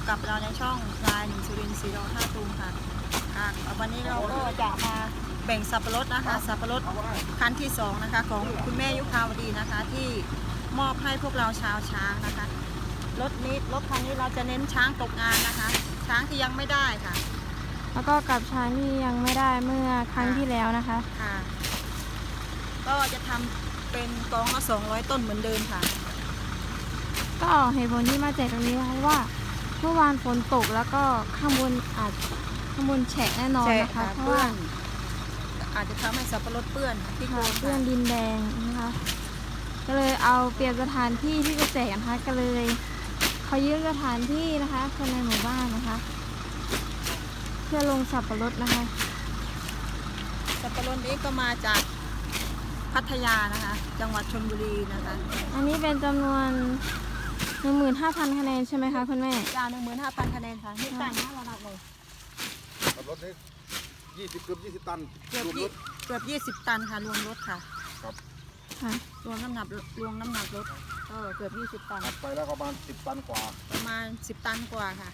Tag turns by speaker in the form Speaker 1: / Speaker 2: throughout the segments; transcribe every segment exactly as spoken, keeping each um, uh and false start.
Speaker 1: กับเราในช่องรายหนึ่งสุรินทร์สีดอท่าตูมค่ะค่ะวันนี้เราก็จะมาแบ่งสับปะรดนะคะสับปะรดคันที่สองนะคะของคุณแม่ยุพาวดีนะคะที่มอบให้พวกเราชาวช้างนะคะรถนี้รถคันนี้เราจะเน้นช้างตกงานนะคะช้างที่ยังไม่ได้ค่ะ
Speaker 2: แล้วก็กับช้างที่ยังไม่ได้เมื่อครั้งที่แล้วนะคะ
Speaker 1: ค่ะก็จะทำเป็นกองละสองร้อยต้นเหมือนเดิมค่ะ
Speaker 2: ก็เหตุผลที่มาแจกตรงนี้เพราะว่าเมื่อวานฝนตกแล้วก็ข้างบนอาจข้างบนแฉะแน่นอนนะคะเพราะว่า
Speaker 1: อาจจะทำให้สับปะรดเปื้อนที่โคน
Speaker 2: เปื้อนดินแดงนะคะก็เลยเอาเปลี่ยนสถานที่ที่จะแจกนะคะก็เลยเขายืมสถานที่นะคะคนในหมู่บ้านนะคะเพื่อลงสับปะรดนะคะ
Speaker 1: สับปะรดนี้ก็มาจากพัทยานะคะจังหวัดชลบุรีนะคะ
Speaker 2: อันนี้เป็นจำนวนหนึ่งหมื่นห้าพันคะแนนใช่ไหมคะคุณแม่
Speaker 1: จานหนึ่งหมื่นห้าพันคะแนนค่ะนี่ต่างห้าระดับเลย
Speaker 3: สับปะรดนี้ยี่สิบเกือบยี่สิบตัน
Speaker 1: เกือบเกือบยี่สิบตันค่ะรวมรถค่ะ
Speaker 3: ครับ
Speaker 2: ค่ะ
Speaker 1: รวมน้ำหนักรวมน้ำหนักรถเออเกือบยี่สิบตัน
Speaker 3: ไปแล้วประมาณสิบตันกว่า
Speaker 1: ประมาณสิบตันกว่าค่ะ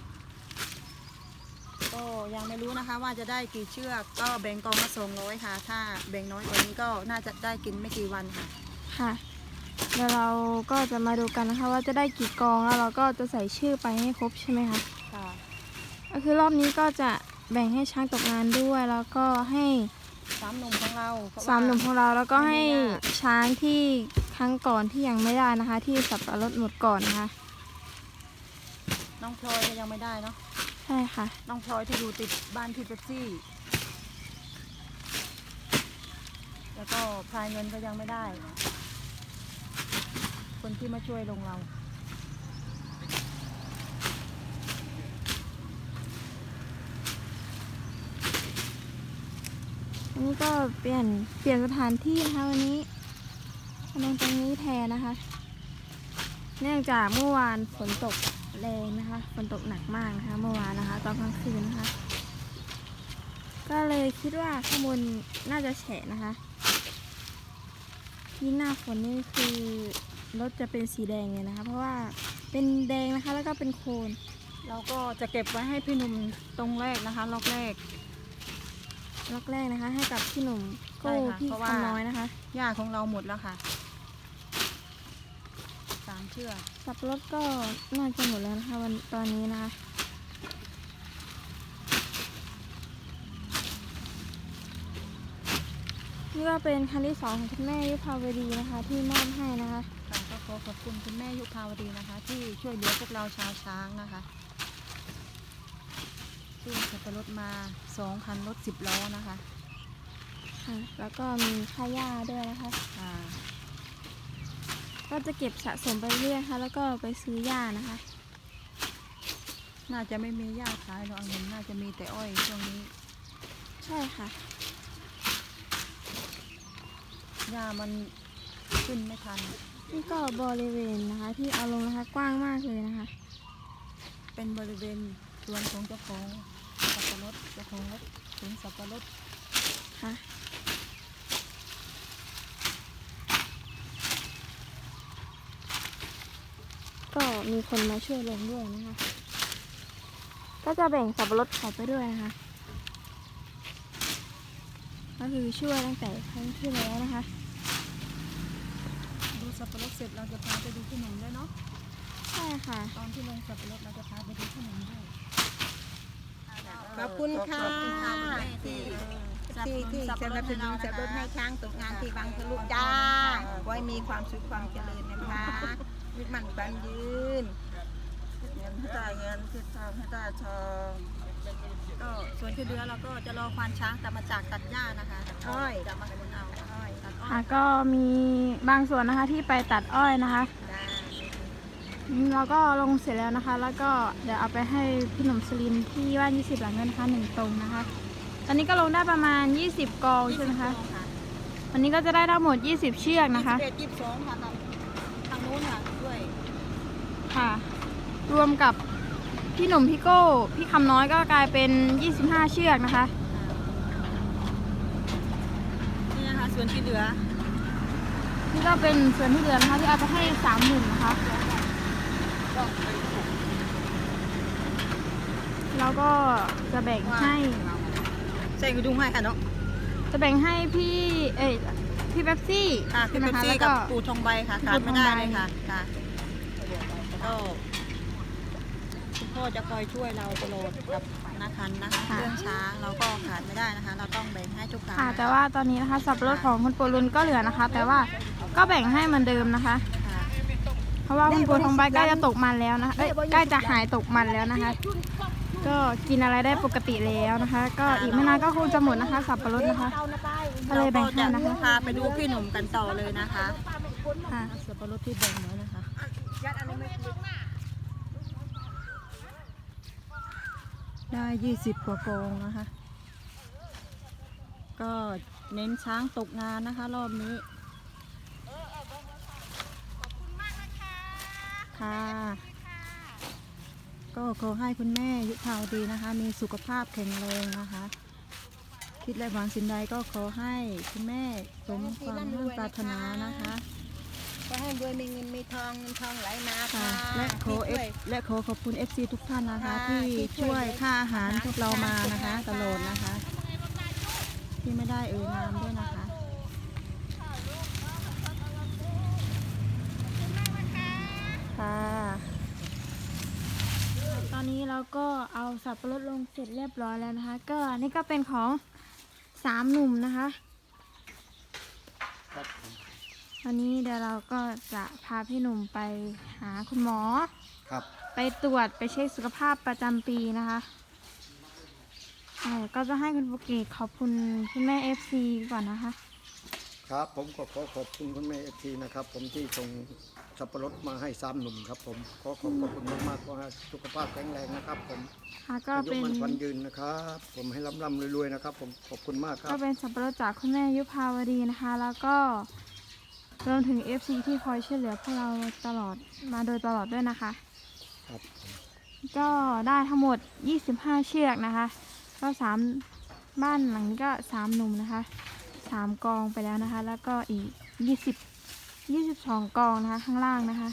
Speaker 1: ก็ยังไม่รู้นะคะว่าจะได้กี่เชือกก็แบ่งกองละสองร้อยค่ะถ้าแบ่งน้อยกว่านี้ก็น่าจะได้กินไม่กี่วันค่ะ
Speaker 2: ค่ะเดี๋ยวเราก็จะมาดูกันนะคะว่าจะได้กี่กองแล้วเราก็จะใส่ชื่อไปให้ครบใช่ไหมคะ
Speaker 1: ค่ะ
Speaker 2: ก็คือรอบนี้ก็จะแบ่งให้ช้างตกงานด้วยแล้วก็ให้
Speaker 1: สามหนุ่มของเรา
Speaker 2: สามหนุ่มของเราแล้วก็ให้ช้างที่ครั้งก่อนที่ยังไม่ได้นะคะที่สับปะรดหมดก่อนนะคะ
Speaker 1: น้องพลอยยังไม่ได้เนาะ
Speaker 2: ใช่ค่ะ
Speaker 1: น้องพลอยที่อยู่ติดบ้านพี่เป๊ปซี่แล้วก็พายเงินก็ยังไม่ได้คนที่มาช่วยลงเรา
Speaker 2: อันนี้ก็เปลี่ยนเปลี่ยนสถานที่นะคะวันนี้ลงตรงนี้แทนนะคะเนื่องจากเมื่อวานฝนตกแรงนะคะฝนตกหนักมากนะคะเมื่อวานนะคะตอนกลางคืนนะคะก็เลยคิดว่าข้างบนน่าจะแฉะนะคะที่หน้าฝนนี่คือรถจะเป็นสีแดงเลยนะคะเพราะว่าเป็นแดงนะคะแล้วก็เป็นโคลน
Speaker 1: เราก็จะเก็บไว้ให้พี่หนุ่มตรงแรกนะคะล็อกแรก
Speaker 2: ล็อกแรกนะคะให้กับพี่หนุ่มโก้พี่คำน้อยนะคะ
Speaker 1: หญ้าของเราหมดแล้วค่ะสามเชือก
Speaker 2: สับปะรดก็น่าจะหมดแล้วนะคะวันตอนนี้นะคะนี่ก็เป็นคันที่สองของคุณแม่ยุพาวดีนะคะที่มอบให้นะคะ
Speaker 1: ค่ะก็ขอขอบคุณคุณแม่ยุพาวดีนะคะที่ช่วยเหลือพวกเราชาวช้างนะคะที่สับปะรดมาสองคันรถสิบล้อนะคะ
Speaker 2: ค่ะแล้วก็มีค่าหญ้าด้วยนะคะ
Speaker 1: ค่ะ
Speaker 2: ก็จะเก็บสะสมไปเรื่อยค่ะแล้วก็ไปซื้อหญ้านะคะ
Speaker 1: น่าจะไม่มีหญ้าขายหรอกเห็นน่าจะมีแต่อ้อยช่วงนี้
Speaker 2: ใช่ค่ะ
Speaker 1: หญ้ามันขึ้นไม่ทัน
Speaker 2: นี่ก็บริเวณนะคะที่เอาลงนะคะกว้างมากเลยนะคะ
Speaker 1: เป็นบริเวณสวนของเจ้าของสับปะรดเจ้าของรถสวนสับปะรด
Speaker 2: ค่ะก็มีคนมาช่วยลงด้วยนะคะก็จะแบ่งสับปะรดเขาไปด้วยนะคะก็คือช่วยตั้งแต่ครั้งที่แล้วนะคะ
Speaker 1: ดูสับปะรดเสร็จเราจะพาไปดูขนมด้วยเนาะ
Speaker 2: ใช่ค่ะ
Speaker 1: ตอนที่ลงสับปะรดเราจะพาไปดูขนมด้วยขอบคุณค่ะที่ที่ที่สนับสนุนสับปะรดให้ช้างตกงานที่บางทะลุจ้าไว้มีความสุขความเจริญนะคะยึดมั่นบันยืน
Speaker 3: เงินให้ได้เงินคิดทองให้ได้ทอง
Speaker 1: ก็ส่วนที่เหลือเราก็จะรอควานช้างกลับมาจากตัดหญ้านะคะอ้อยจะมาขนเอาอ้อยตัดอ้อย
Speaker 2: ก็มีบางส่วนนะคะที่ไปตัดอ้อยนะคะเราก็ลงเสร็จแล้วนะคะแล้วก็เดี๋ยวเอาไปให้พี่หนุ่มสลินที่บ้านยี่สิบหลังเงินนะคะหนึ่งตรงนะคะตอนนี้ก็ลงได้ประมาณยี่สิบกองใช่ไหมคะวันนี้ก็จะได้ทั้งหมดยี่สิบเชือกนะคะ
Speaker 1: ยี่สิบเอ็ด ยี่สิบสองค่ะทางนู้นค่ะด้วย
Speaker 2: ค่ะรวมกับพี่หนุ่มพี่โก้พี่คำน้อยก็กลายเป็นยี่สิบห้าเชือกนะคะ
Speaker 1: นี่นะคะส่วนที่เหลือ
Speaker 2: นี่ก็เป็นส่วนที่เหลือนะคะที่เอาไปให้สามหนุ่มนะคะก็จะแบ่งให้
Speaker 1: ใส่กระดุมให้ค่ะเนาะ
Speaker 2: จะแบ่งให้พี่เอ้ยพี่เป๊ปซี่
Speaker 1: ค่ะพี่
Speaker 2: ใช่ไหม
Speaker 1: เป๊ป
Speaker 2: คะ
Speaker 1: ซี่
Speaker 2: แล้ว
Speaker 1: กั
Speaker 2: ก็
Speaker 1: บปูทองใบค่ะขาดไม่ได้เลยค่ะค่ะก็คุณพ่อจะคอยช่วยเราตลอดกับนาคันนะคะเรื่องช้างเราก็ขาดไม่ได้นะคะ เราต้องแบ่งให้ทุกครั้ง
Speaker 2: ค่ะแต่ว่าตอนนี้นะคะสับปะรดของคุณปูรุนก็เหลือนะคะ แต่ว่าก็แบ่งให้เหมือนเดิมนะคะ
Speaker 1: ค่ะ
Speaker 2: เพราะว่าคุณปูทองใบใกล้จะตกมันแล้วนะคะเอ้ยใกล้จะหายตกมันแล้วนะคะ ก็กินอะไรได้ปกติแล้วนะคะ ก็อีกไม่นานก็คงจะหมดนะคะ สับปะรดนะคะ ก็เลยแบ่งให้นะคะ
Speaker 1: พาไปดูพี่หนุ่มกันต่อเลยนะคะ
Speaker 2: ค่ะ
Speaker 1: สับปะรดที่แบ่งไว้นะคะได้ยี่สิบกว่ากองนะคะ ก็เน้นช้างตกงานนะคะรอบนี้ค่ะก็ขอให้คุณแม่ยุพาวดีนะคะ มีสุขภาพแข็งแรงนะคะ คิดและหวังสิ่งใดก็ขอให้คุณแม่สมความมุ่งปรารถนานะคะ
Speaker 3: ก็ให้รวยมีเงินมีทองเงินทองไหลมา
Speaker 1: ค่ะ
Speaker 3: ค่ะ
Speaker 1: และขอเอฟและขอขอบคุณ เอฟ ซี ทุกท่านนะคะ ที่ช่วยค่าอาหารพวกเรามานะคะตลอดนะคะ ที่ไม่ได้เอ่ยนามด้วยนะคะค่ะ
Speaker 2: ตอนนี้เราก็เอาสับปะรดลงเสร็จเรียบร้อยแล้วนะคะ ก็อันนี่ก็เป็นของสามหนุ่มนะคะวันนี้เดี๋ยวเราก็จะพาพี่หนุ่มไปหาคุณหมอ
Speaker 4: ครับ
Speaker 2: ไปตรวจไปเช็คสุขภาพประจำปีนะคะอ่าก็จะให้คุณปุกเกตขอบคุณคุณแม่เอฟซีก่อนนะคะ
Speaker 4: ครับผมก็ขอขอบคุณคุณแม่เอฟซีนะครับผมที่ส่งสับปะรดมาให้สามหนุ่มครับผมขอขอบคุณมากๆขอให้สุขภาพแข็งแรงนะครับผม
Speaker 2: ค่ะก็
Speaker 4: อายุ
Speaker 2: เป็น
Speaker 4: มันควันยืนนะครับผมให้ร่ำๆรวยๆนะครับผมขอบคุณมากครั
Speaker 2: ก็
Speaker 4: บ
Speaker 2: เป็นสับปะรดจากคุณแม่ยุพาวดีนะคะ แล้วก็รวมถึง เอฟ ซี ที่คอยช่วยเหลือพวกเราตลอดมาโดยตลอดด้วยนะคะ
Speaker 4: ครับผม
Speaker 2: ก็ได้ทั้งหมดยี่สิบห้าเชือกนะคะ ก็สามบ้านหลังนี้ก็สามหนุ่มนะคะสามกองไปแล้วนะคะ แล้วก็อีกยี่สิบ ยี่สิบสองกองนะคะข้างล่างนะคะ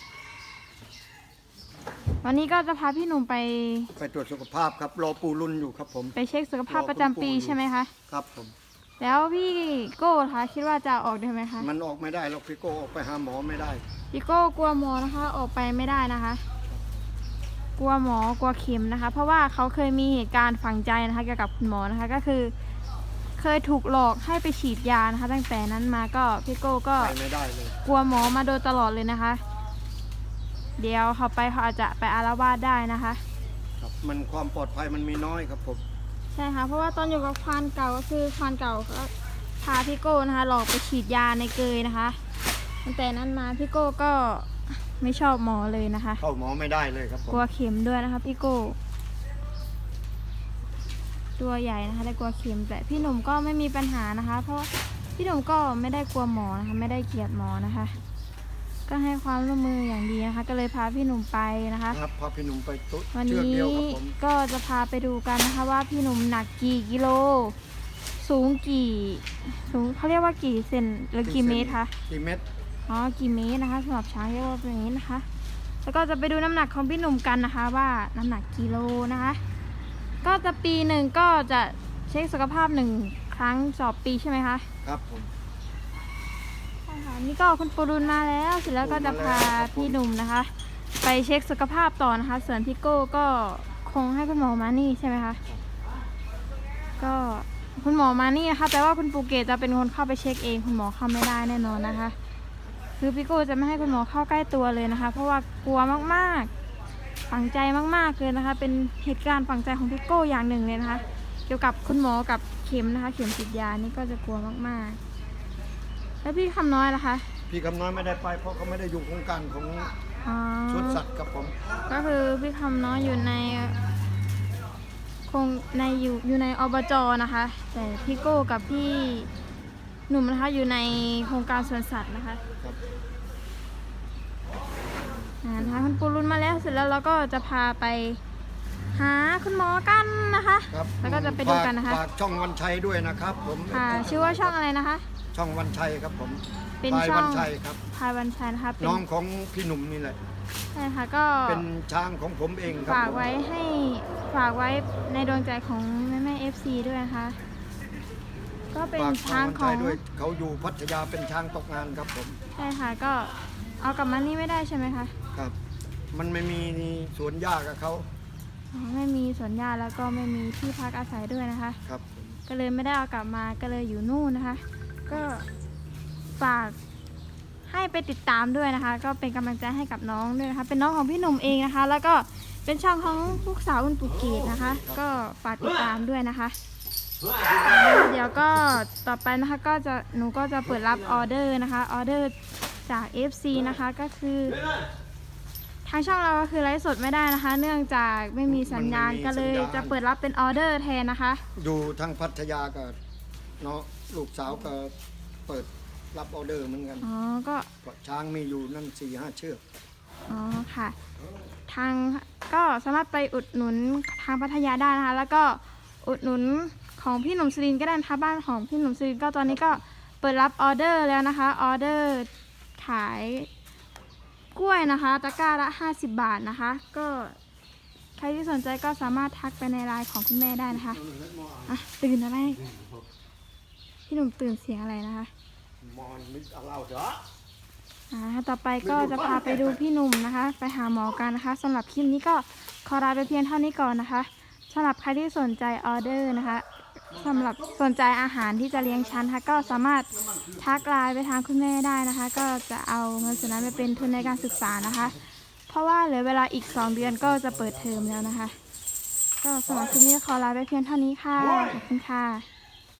Speaker 2: วันนี้ก็จะพาพี่หนุ่มไป
Speaker 4: ไปตรวจสุขภาพครับรอปูรุ่นอยู่ครับผม
Speaker 2: ไปเช็คสุขภาพประจำปีใช่ไหมคะ
Speaker 4: ครับผม
Speaker 2: แล้วพี่โก้คะคิดว่าจะออกได้ไหมคะ
Speaker 4: มันออกไม่ได้หรอกพี่โก้ออกไปหาหมอไม่ได้
Speaker 2: พี่โก้กลัวหมอนะคะ ออกไปไม่ได้นะคะ กลัวหมอกลัวเข็มนะคะ เพราะว่าเขาเคยมีเหตุการณ์ฝังใจนะคะเกี่ยวกับคุณหมอนะคะ ก็คือ เคยถูกหลอกให้ไปฉีดยานะคะ ตั้งแต่นั้นมาก็พี่โก้ก็
Speaker 4: ไปไม่ได้เลย
Speaker 2: กลัวหมอมาโดยตลอดเลยนะคะ เดี๋ยวเขาไปเขาอาจจะไปอาละวาดได้นะคะ
Speaker 4: ครับมันความปลอดภัยมันมีน้อยครับผม
Speaker 2: ใช่ค่ะเพราะว่าตอนอยู่กับควานเก่าก็คือควานเก่าก็พาพี่โก้นะคะ หลอกไปฉีดยาในเกยนะคะตั้งแต่นั้นมาพี่โก้ก็ไม่ชอบหมอเลยนะคะ
Speaker 4: เข้าหมอไม่ได้เลยครับผม
Speaker 2: กลัวเข็มด้วยนะคะพี่โก้ตัวใหญ่นะคะแต่กลัวเข็มแต่พี่หนุ่มก็ไม่มีปัญหานะคะ เพราะพี่หนุ่มก็ไม่ได้กลัวหมอนะคะไม่ได้เกลียดหมอนะคะ ก็ให้ความร่วมมืออย่างดีนะคะ ก็เลยพาพี่หนุ่มไปนะคะ
Speaker 4: ครับพาพี่หนุ่มไปตุ๊
Speaker 2: วัน
Speaker 4: เชือก
Speaker 2: นี้
Speaker 4: เดียวครับผม
Speaker 2: ก็จะพาไปดูกันนะคะว่าพี่หนุ่มหนักกี่กิโล สูงกี่สูงเขาเรียกว่ากี่เซนหรือกี่เมตรคะ
Speaker 4: กี่เมตร
Speaker 2: อ๋อกี่เมตรนะคะสำหรับช้างเรียกว่าเป็นอย่างนี้นะคะ แล้วก็จะไปดูน้ำหนักของพี่หนุ่มกันนะคะ ว่าน้ำหนักกิโลนะคะ ก็จะปีหนึ่งก็จะเช็คสุขภาพหนึ่งครั้งต่อปีใช่ไหมคะ
Speaker 4: ครับผม
Speaker 2: ใช่ค่ะนี่ก็คุณปูรุนมาแล้วเสร็จแล้วก็จะพาพี่หนุ่มนะคะ ไปเช็คสุขภาพต่อนะคะ ส่วนพี่โก้ก็คงให้คุณหมอมานี่ใช่ไหมคะก็คุณหมอมานี่นะคะแต่ว่าคุณปูเกตจะเป็นคนเข้าไปเช็คเองคุณหมอเข้าไม่ได้แน่นอนนะคะ คือพี่โก้จะไม่ให้คุณหมอเข้าใกล้ตัวเลยนะคะ เพราะว่ากลัวมากๆฝังใจมากๆเลยนะคะ เป็นเหตุการณ์ฝังใจของพี่โก้อย่างหนึ่งเลยนะคะ เกี่ยวกับคุณหมอกับเข็มนะคะ เข็มฉีดยานี่ก็จะกลัวมากๆแล้วพี่คำน้อยล่ะคะ
Speaker 4: พี่คำน้อยไม่ได้ไปเพราะเขาไม่ได้อยู่โครงการของ
Speaker 2: อ๋อ
Speaker 4: สวนสัตว์ครับผม
Speaker 2: ก็คือพี่คำน้อยอยู่ในคงในอยู่อยู่ในอบจนะคะ แต่พี่โก้กับพี่หนุ่มนะคะอยู่ในโครงการสวนสัตว์นะคะ
Speaker 4: ครับ
Speaker 2: อ่านะคะคุณปูรุนมาแล้วเสร็จแล้วเราก็จะพาไปหาคุณหมอกันนะคะ
Speaker 4: ครับ
Speaker 2: แล้วก็จะไปดูกันนะคะ
Speaker 4: ฝากช่องวันชัยด้วยนะครับผม
Speaker 2: ค่ะชื่อว่าช่องอะไรนะคะ
Speaker 4: ช่องวันชัยครับผม
Speaker 2: เป็น
Speaker 4: พลาย
Speaker 2: ช่อง
Speaker 4: วันชัยครับ
Speaker 2: พายวันชัยนะคะเป็น
Speaker 4: น้องของพี่หนุ่มนี่แหละ
Speaker 2: ใช่ค่ะก็
Speaker 4: เป็นช้างของผมเองครับ
Speaker 2: ฝาก
Speaker 4: ผม
Speaker 2: ไว้ให้ฝากไว้ในดวงใจของแม่แม่เอฟซีด้วยนะคะก็เป็น
Speaker 4: ฝาก
Speaker 2: ช้าง
Speaker 4: คน
Speaker 2: ข
Speaker 4: ไท
Speaker 2: อย ง
Speaker 4: ด้วยเขาอยู่พัทยาเป็นช้างตกงานครับผม
Speaker 2: ใช่ค่ะก็เอากลับมานี่ไม่ได้ใช่ไหมคะ
Speaker 4: ครับ มันไม่มีสวนหญ้ากับเขา
Speaker 2: อ๋อไม่มีสวนหญ้าแล้วก็ไม่มีที่พักอาศัยด้วยนะคะ
Speaker 4: ครับผม
Speaker 2: ก็เลยไม่ได้เอากลับมาก็เลยอยู่นู่นนะคะ ก็ฝากให้ไปติดตามด้วยนะคะ ก็เป็นกำลังใจให้กับน้องด้วยนะคะ เป็นน้องของพี่หนุ่มเองนะคะ แล้วก็เป็นช่องของลูกสาวคุณปุกเกตนะคะ ก็ฝากติดตามด้วยนะคะ เดี๋ยวก็ต่อไปนะคะก็จะหนูก็จะเปิดรับออเดอร์นะคะออเดอร์จาก เอฟ ซี นะคะก็คือทางช่องเราก็คือไลฟ์สดไม่ได้นะคะ เนื่องจากไม่มีสัญญาณก็เลยจะเปิดรับเป็นออเดอร์แทนนะคะ
Speaker 4: อยู่ทางพัทยากับเนาะลูกสาวก็เปิดรับออเดอร์เหมือนกัน
Speaker 2: อ๋อก็
Speaker 4: เพราะช้างมีอยู่นั่นสี่ห้าเชือก
Speaker 2: อ๋อค่ะ ทางก็สามารถไปอุดหนุนทางพัทยาได้นะคะ แล้วก็อุดหนุนของพี่หนุ่มสุรินทร์ก็ได้นะคะบ้านของพี่หนุ่มสุรินทร์ก็ตอนนี้ก็เปิดรับออเดอร์แล้วนะคะออเดอร์ขายกล้วยนะคะตะกร้าละห้าสิบบาทนะคะ ก็ใครที่สนใจก็สามารถทักไปในไลน์ของคุณแม่ได้นะคะอ่ะตื่นอะไรพี่หนุ่มตื่นเสียงอะไรนะคะ
Speaker 4: มอนมิดเอาเราเถอะ
Speaker 2: อ่าต่อไปก็จะพาไปดูพี่หนุ่มนะคะ ไปหาหมอกันนะคะสำหรับคลิปนี้ก็ขอลาไปเพียงเท่านี้ก่อนนะคะสำหรับใครที่สนใจออเดอร์นะคะสำหรับสนใจอาหารที่จะเลี้ยงชั้นนะคะก็สามารถทักไลน์ไปทางคุณแม่ได้นะคะ ก็จะเอาเงินส่วนนั้นไปเป็นทุนในการศึกษานะคะ เพราะว่าเหลือเวลาอีกสองเดือนก็จะเปิดเทอมแล้วนะคะ ก็สำหรับคลิปนี้ขอลาไปเพียงเท่านี้ค่ะขอบคุณค่ะ